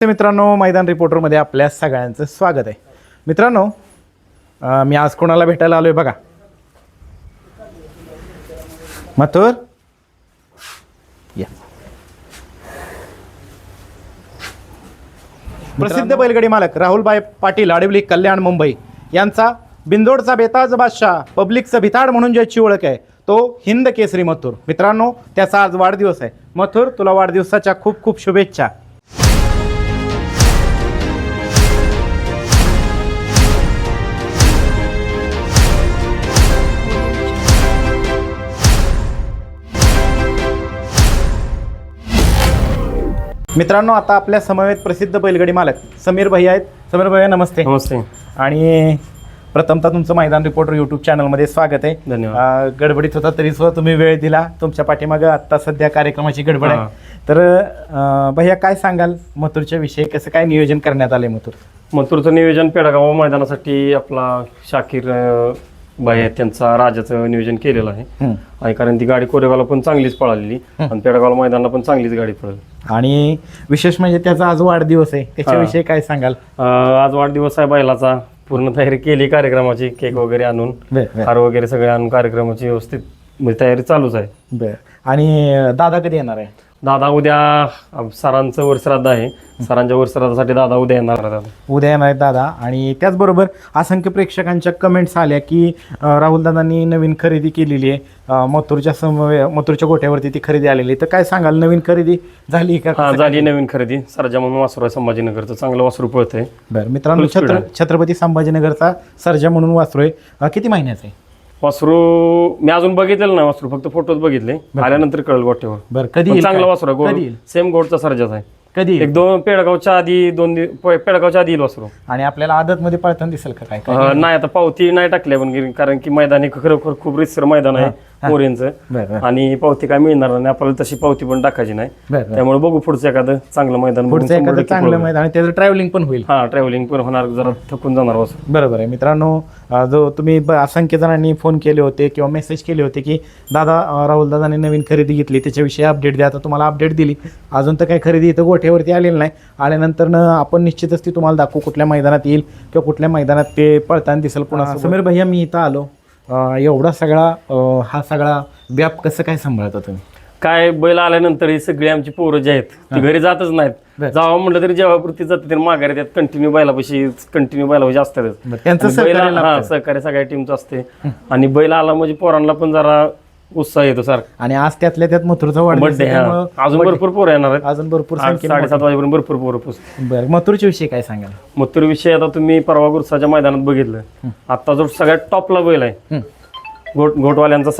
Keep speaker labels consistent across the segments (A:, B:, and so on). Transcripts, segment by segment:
A: मित्रांनो, मैदान रिपोर्टरमध्ये आपल्या सगळ्यांचं स्वागत आहे. मित्रांनो, मी आज कोणाला भेटायला आलोय बघा. मथुर या. प्रसिद्ध बैलगाडी मालक राहुलभाई पाटील आडिवली कल्याण मुंबई यांचा बिंदोडचा बेताज बादशाह पब्लिकचा भिताड म्हणून ज्याची ओळख आहे तो हिंद केसरी मथुर. मित्रांनो, त्याचा आज वाढदिवस आहे. मथुर, तुला वाढदिवसाच्या खूप खूप शुभेच्छा. मित्रांनो, आता आपल्या समवेत प्रसिद्ध बैलगाडी मालक समीर भैया आहेत. समीर भैया, नमस्ते.
B: नमस्ते.
A: आणि प्रथमतः तुमचं मैदान रिपोर्टर यूट्यूब चॅनलमध्ये स्वागत आहे.
B: धन्यवाद.
A: गडबडीत होता तरी सुद्धा तुम्ही वेळ दिला. तुमच्या पाठीमागं आत्ता सध्या कार्यक्रमाची गडबड आहे. तर भैया, काय सांगाल मथुरच्या विषयी? कसं काय नियोजन करण्यात आलंय
B: मथुरचं नियोजन पेडगाव मैदानासाठी आपला शाकीर भाई आहेत, त्यांचा राजाचं नियोजन केलेलं आहे. आणि कारण ती गाडी कोरेगावला पण चांगलीच पळालेली आणि पेडगाव मैदानाला पण चांगलीच गाडी पळाली. आणि
A: विशेष म्हणजे त्याचा आज वाढदिवस आहे, त्याच्याविषयी काय सांगाल?
B: आज वाढदिवस आहे बैलाचा. पूर्ण तयारी केली कार्यक्रमाची, केक वगैरे आणून, हार वगैरे सगळे आणून कार्यक्रमाची व्यवस्थित म्हणजे तयारी चालूच आहे.
A: बरं. आणि दादा कधी येणार आहे?
B: दादा उद्या सरांचं वर्षश्राद्ध आहे. सरांच्या वर्षश्राद्धासाठी दादा उद्या येणार.
A: उद्या येणार आहेत दादा. आणि त्याचबरोबर असंख्य प्रेक्षकांच्या कमेंट्स आल्या की राहुल दादांनी नवीन खरेदी केलेली आहे. मथुरच्या गोठ्यावरती ती खरेदी आलेली. तर काय सांगाल, नवीन खरेदी झाली का?
B: हा, झाली नवीन खरेदी. सर्जा म्हणून वासरू आहे, संभाजीनगरचं चांगलं वासरू पळतंय.
A: बरं मित्रांनो, छत्रपती संभाजीनगरचा सर्जा म्हणून वासरू आहे. किती महिन्याचं आहे
B: वासरू? मी अजून बघितलेलं नाही वासरू, फक्त फोटोच बघितले. आल्यानंतर कळलं गोठ्यावर.
A: बरं, कधी?
B: चांगला वासरू आहे, सेम गोडचा सर्जाच आहे.
A: कधी?
B: एक दोन पेडगावच्या आधी, पेडगावच्या आधी येईल वासरू.
A: आणि आपल्याला आदत मध्ये पळताना दिसेल का? काय
B: नाही, आता पावती नाही टाकल्या पण, कारण की मैदान खरोखर खूप रितसर मैदान आहे मोरेंचं. आणि पावती काय मिळणार नाही आपल्याला, तशी पावती पण टाकायची नाही. त्यामुळे बघू पुढचं एखादं चांगलं मैदान.
A: चांगलं मैदान, त्याचं ट्रॅव्हलिंग पण होईल.
B: हा, ट्रॅव्हलिंग पण होणार, जरा थकून जाणार वासरू.
A: बरोबर आहे. मित्रांनो, जो तुम्ही असंख्य जणांनी फोन केले होते किंवा मेसेज केले होते की दादा, राहुल दादाने नवीन खरेदी घेतली, त्याच्याविषयी अपडेट द्या. आता तुम्हाला अपडेट दिली. अजून तर काही खरेदी इथं गोठ्यावरती आलेली नाही. आल्यानंतर आपण निश्चितच ती तुम्हाला दाखवू, कुठल्या मैदानात येईल किंवा कुठल्या मैदानात ते पळताना दिसेल. पुन्हा समीर भैया, मी इथं आलो, एवढा सगळा हा सगळा व्याप कसं काय सांभाळता तुम्ही?
B: काय, बैल आल्यानंतर ही सगळी आमची पोरं जी आहेत ती घरी जातच नाहीत. जावं म्हटलं तरी जेव्हापुरती जाते तरी माघारी त्यात कंटिन्यू बैलापाशी असतात.
A: त्यांचं
B: सहकार्य सगळ्या टीमचं असते. आणि बैल आला म्हणजे पोरांना पण जरा उत्साह येतो सारखा.
A: आणि आज त्यातल्या त्यात मथुरचा वाढदिवस आहे.
B: अजून भरपूर पोरं येणार आहेत.
A: अजून भरपूर
B: 7:30 वाजेपर्यंत भरपूर पोरं पोहोचतात.
A: बरं, मथुरच्या विषयी काय सांगाल?
B: मथुर विषयी आता तुम्ही परवा गुरसाच्या मैदानात बघितलं. आता जो सगळ्यात टॉपला बैल आहे घोटवाल्यांचा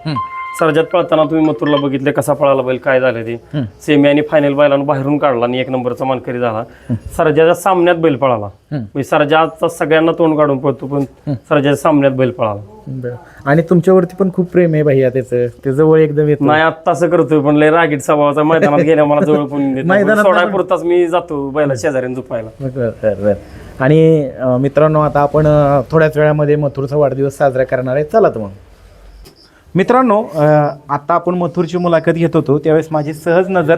B: सर्जात पळताना तुम्ही मथुरला बघितले कसा पळाला बैल, काय झालं ते. सेमी आणि फायनल बैलानं बाहेरून काढला आणि 1 नंबरचा मानकरी झाला. सर्जाच्या सामन्यात बैल पळाला. म्हणजे सर्जाचा सगळ्यांना तोंड काढून पळतो, पण सर्जाच्या सामन्यात बैल पळाला.
A: आणि तुमच्यावरती पण खूप प्रेम आहे भैया त्याचं, ते जवळ एकदम येत
B: नाही. आता असं करतोय पण लय रागीट स्वभावाचा. मैदानात गेल्या मला जवळ पण सोडायपुरताच मी जातो बैला शेजाऱ्याने झोपायला.
A: आणि मित्रांनो, आता आपण थोड्याच वेळामध्ये मथुरचा वाढदिवस साजरा करणार आहे. चला तर मग मित्रांनो, आता आपण मथुरची मुलाखत घेत होतो त्यावेळेस माझी सहज नजर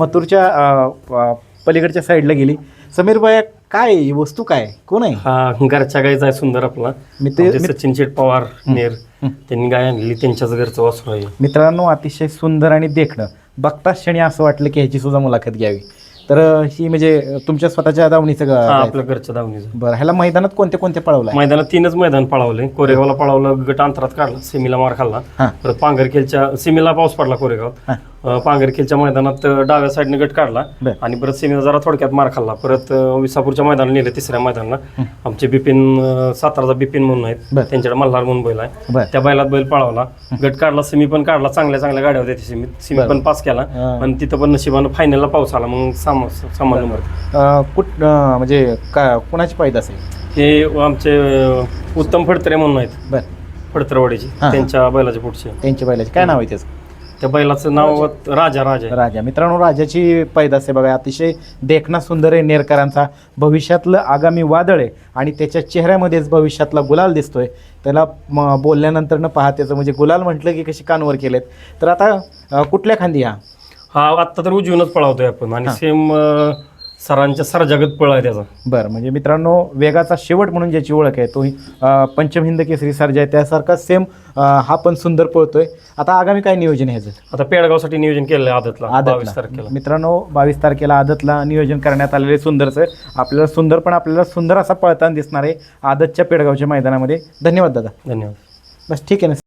A: मथुरच्या पलीकडच्या साईडला गेली. समीर भैया, काय वस्तू, काय कोण आहे?
B: हा, घरच्या गायचा आहे सुंदर आपला. सचिन शेठ पवार नेर त्यांनी गाय आणलेली, त्यांच्याच घरचं वासरू आहे.
A: मित्रांनो, अतिशय सुंदर आणि देखणं बघताच क्षणी असं वाटलं की ह्याची सुद्धा मुलाखत घ्यावी. तर ही म्हणजे तुमच्या स्वतःच्या दावणीचं?
B: आपल्या घरच्या दावणीचं.
A: बरं, ह्याला मैदानात कोणते कोणते पळवलं?
B: मैदानात 3च मैदान पळवले. कोरेगावला पळवलं, गट अंतरात काढला, सेमीला मार खाल्ला. परत पांगरखेलच्या सेमीला पाऊस पडला कोरेगावात. पांगरखेलच्या मैदानात डाव्या साईडने गट काढला आणि परत सेमीला जरा थोडक्यात मार खाल्ला. परत विसापूरच्या मैदानाला नेलं, 3ऱ्या मैदानाला. आमचे बिपिन, साताराचा बिपिन म्हणून आहेत, त्यांच्याकडे मल्हार म्हणून बैल आहे. त्या बैलात बैल पळवला, गट काढला, सेमी पण काढला. चांगल्या गाड्या होत्या सेमी पण पास केला. आणि तिथं पण नशिबानं फायनलला पाऊस आला. मग सामान नंबर
A: म्हणजे कुणाची पैदास आहे?
B: हे आमचे उत्तम फडतरे म्हणून आहेत, फडतरवाडीची, त्यांच्या बैलाच्या पुढचे.
A: त्यांच्या बैलाचे काय नाव आहे त्याचं?
B: त्या बैलाचं नाव राजा.
A: मित्रांनो, राजाची पैदास आहे बघा. अतिशय देखणा सुंदर आहे, नेरकरांचा. भविष्यातलं आगामी वादळ आहे आणि त्याच्या चेहऱ्यामध्येच भविष्यातला गुलाल दिसतोय. त्याला बोलल्यानंतर न पहा त्याचं म्हणजे गुलाल म्हटलं की कशी कानवर केलेत. तर आता कुठल्या खांदी?
B: हा आत्ता तर उजवीनच पळावतोय आपण. आणि सरांच्या सरजगत पळ आहे त्याचा.
A: बरं, म्हणजे मित्रांनो वेगाचा शेवट म्हणून ज्याची ओळख आहे तो पंचम हिंद केसरी सर्जा आहे, त्यासारखा सेम हा पण सुंदर पळतोय. आता आगामी काय नियोजन आहे ह्याचं?
B: आता पेडगावसाठी नियोजन केलेलं आहे आदतला 22 तारखेला.
A: मित्रांनो 22 तारखेला आदतला नियोजन करण्यात आलेले सुंदरचं. आपल्याला सुंदर असा पळताना दिसणार आहे आदतच्या पेडगावच्या मैदानामध्ये. धन्यवाद दादा.
B: धन्यवाद.
A: बस ठीक आहे ना.